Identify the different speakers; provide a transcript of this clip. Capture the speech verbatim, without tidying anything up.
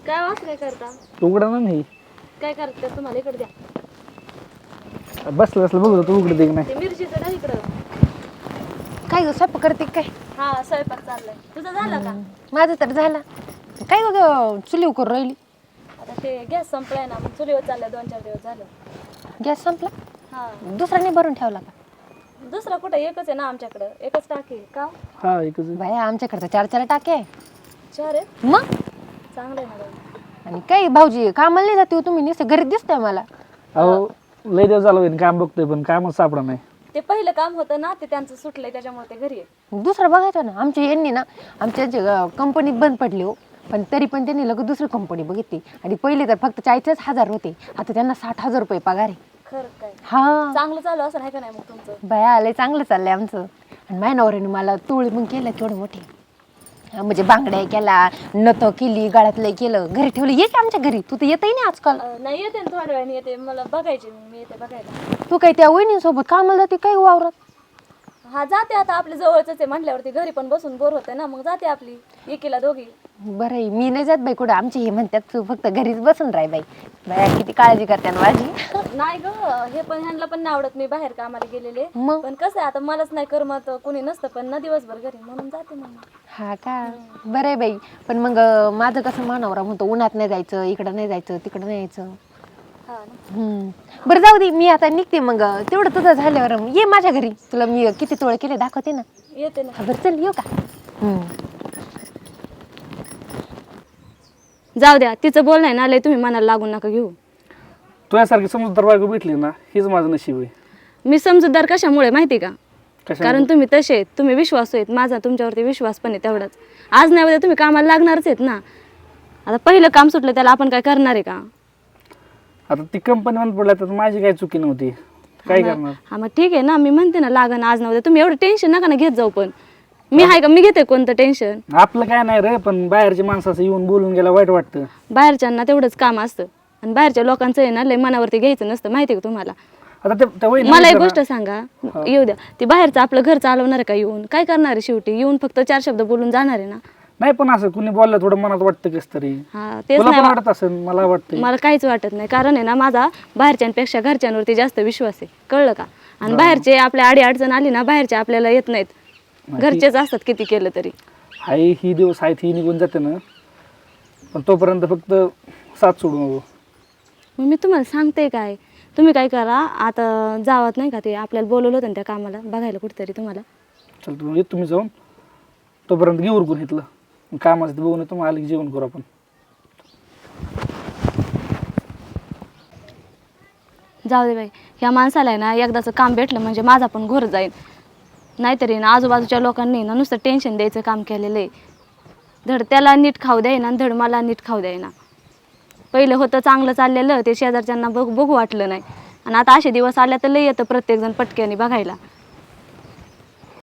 Speaker 1: काय वास काय करता?
Speaker 2: उघडा ना नाही.
Speaker 1: काय करता तुम्हाला इकडे द्या.
Speaker 2: बसलं बसलं बघू तू उघड दे की नाही.
Speaker 1: ते मिरचीचं ना इकडं.
Speaker 3: काय ग स्वयंपाक करते काय?
Speaker 1: हा स्वयंपाक चाललाय. तुझं झालं का?
Speaker 3: माझं तर झालं. काय ग चुलीव करून राहिली?
Speaker 1: आता ते गॅस संपलाय ना, मग चुलीवर चाललाय. दोन चार दिवस झालं.
Speaker 3: गॅस संपला?
Speaker 1: हा.
Speaker 3: दुसरा नाही भरून ठेवला का?
Speaker 1: दुसरा कुठं एकच आहे ना आमच्याकडं. एकच टाकी आहे. का?
Speaker 2: हा एकच आहे.
Speaker 3: बाया आमच्याकडे चार चार टाके आहे.
Speaker 1: चार आहेत?
Speaker 3: मग
Speaker 1: चांगलं आहे ना बाई.
Speaker 3: आणि काही भाऊजी कामाला नाही जाते हो तुम्ही, नुसतं घरी दिसताय मला.
Speaker 2: अहो लय दिवस झालं होईन काम बघतोय पण कामच सापडा नाही.
Speaker 1: ते पहिलं काम होतं ना, ते त्यांचं सुटलंय त्याच्यामुळे ते घरी आहे.
Speaker 3: दुसरं बघायचं ना. आमच्या यांनी ना आमच्या कंपनीत बंद पडली हो, पण तरी पण त्यांनी लगेच दुसरी कंपनी बघितली. आणि पहिले तर फक्त चाळीसच हजार होते, आता त्यांना साठ हजार रुपये पगार आहे.
Speaker 1: खरं काय?
Speaker 3: हा
Speaker 1: चांगलं चालू असं नाही का नाही मग तुमचं?
Speaker 3: बाया आलंय चांगलं चाललंय आमचं. आणि माझ्या नवऱ्याने मला तोळ मग केलं केवढं मोठे, म्हणजे बांगड्या केला, नथ केली, गळ्यातलं केलं, घरी ठेवलं. ये की आमच्या घरी, तू तर येतही नाही आजकाल.
Speaker 1: अं, नाही येते ना थोड्या वेळाने येते. मला बघायचे मी मी येते बघायला.
Speaker 3: तू काय त्या वहिनीसोबत कामाला जाते काय वावरात?
Speaker 1: हा जाते आता. आपल्या जवळच आहे म्हटल्यावरती घरी पण बसून बोर होते ना, मग जाते आपली एकीला दोघी.
Speaker 3: बरं आहे, मी नाही जात बाई कुठं. आमचे हे म्हणतात तू फक्त घरीच बसून राह बाई. बाया किती काळजी करते ना माझी.
Speaker 1: नाही ग, हे पण ह्यांना पण नाही आवडत मी बाहेर कामाला गेलेले.
Speaker 3: मग
Speaker 1: पण कसं आहे आता, मलाच नाही करमत, कुणी नसतं पण ना दिवसभर घरी, म्हणून जाते मग.
Speaker 3: हा का? बरं आहे बाई. पण मग अं, माझं कसं मानवरा म्हणतो उन्हात नाही जायचं, इकडं नाही जायचं, तिकडं नाही यायचं.
Speaker 1: हा ना.
Speaker 3: हम्म. बरं जाऊ दे, मी आता निघते. मग तेवढं तुझं झाल्यावर ये माझ्या घरी, तुला मी किती तोळे केले दाखवते ना.
Speaker 1: येते ना.
Speaker 3: हा बरं चल येऊ का? हम्म.
Speaker 1: जाऊ द्या, तिचं बोलणं आहे ना लय, तुम्ही मनाला लागून नका घेऊ.
Speaker 2: तुझ्यासारखी समजदार बायको भेटली ना, हीच माझं नशीब आहे.
Speaker 1: मी समजूतदार कशामुळे माहिती का?
Speaker 2: कशा
Speaker 1: कारण तुम्ही तसे आहेत, तुम्ही विश्वासू आहेत. माझा तुमच्यावरती विश्वास पण आहे तेवढाच. आज नाही उद्या तुम्ही कामाला लागणारच आहेत ना. आता पहिलं काम सुटलं त्याला आपण काय करणार आहे का?
Speaker 2: आता ती कंपनी बंद पडल्या तर माझी काही चुकी नव्हती. काय करणार?
Speaker 1: हा मग ठीक आहे ना, मी म्हणते ना लागण आज नव्हतं. तुम्ही एवढं टेन्शन नका ना घेत जाऊ. पण मी आहे का? मी घेते कोणतं टेन्शन?
Speaker 2: आपलं काय नाही रे, पण बाहेरच्या माणसाचं येऊन बोलून गेला वाईट वाटतं.
Speaker 1: बाहेरच्यांना तेवढंच काम असतं आणि बाहेरच्या लोकांचं आहे ना लय मनावरती घ्यायचं नसतं, माहिती आहे का तुम्हाला?
Speaker 2: आता ते त्या वहिनी
Speaker 1: मला एक
Speaker 2: विचारा.
Speaker 1: गोष्ट सांगा, येऊ द्या. ती बाहेरचं आपलं घर चालवणार आहे का? येऊन काय करणार आहे शेवटी? येऊन फक्त चार शब्द बोलून जाणार आहे ना.
Speaker 2: नाही पण असं कुणी बोललं थोडं मनात वाटतं कस तरी.
Speaker 1: हा तेच
Speaker 2: तुला पण
Speaker 1: नाही,
Speaker 2: वाटत असेल, मला वाटतं.
Speaker 1: मला काहीच वाटत नाही. कारण आहे ना माझा बाहेरच्यांपेक्षा घरच्यांवरती जास्त विश्वास आहे, कळलं का? आणि बाहेरचे आपल्या आडी अडचण आली ना, बाहेरचे आपल्याला येत नाहीत, घरचेच असतात किती केलं तरी.
Speaker 2: हाय ही दिवस आहेत ही निघून जाते ना, पण तोपर्यंत फक्त साथ सोडू नको.
Speaker 1: मग मी तुम्हाला सांगते काय, तुम्ही काय करा आता, जावत नाही का ते आपल्याला बोलवलं होतं ना त्या कामाला बघायला कुठेतरी तुम्हाला.
Speaker 2: चल तू येत तुम्ही जाऊन, तोपर्यंत घेऊ उरकून घेतलं कामाचं बघून येतो, मग आलं की जेवण करू आपण.
Speaker 1: जाऊ दे बाई, ह्या माणसाला आहे ना एकदाचं काम भेटलं म्हणजे माझा पण घोर जाईल. नाहीतरी ना आजूबाजूच्या लोकांनी ना नुसतं टेन्शन द्यायचं काम केलेलं आहे. धड त्याला नीट खाऊ द्यायना आणि धड मला नीट खाऊ द्यायना. पहिलं होतं चांगलं चाललेलं, ते शेजारच्यांना बघ बघू वाटलं नाही. आणि आता असे दिवस आल्या तर लय येतं प्रत्येकजण पटक्याने बघायला.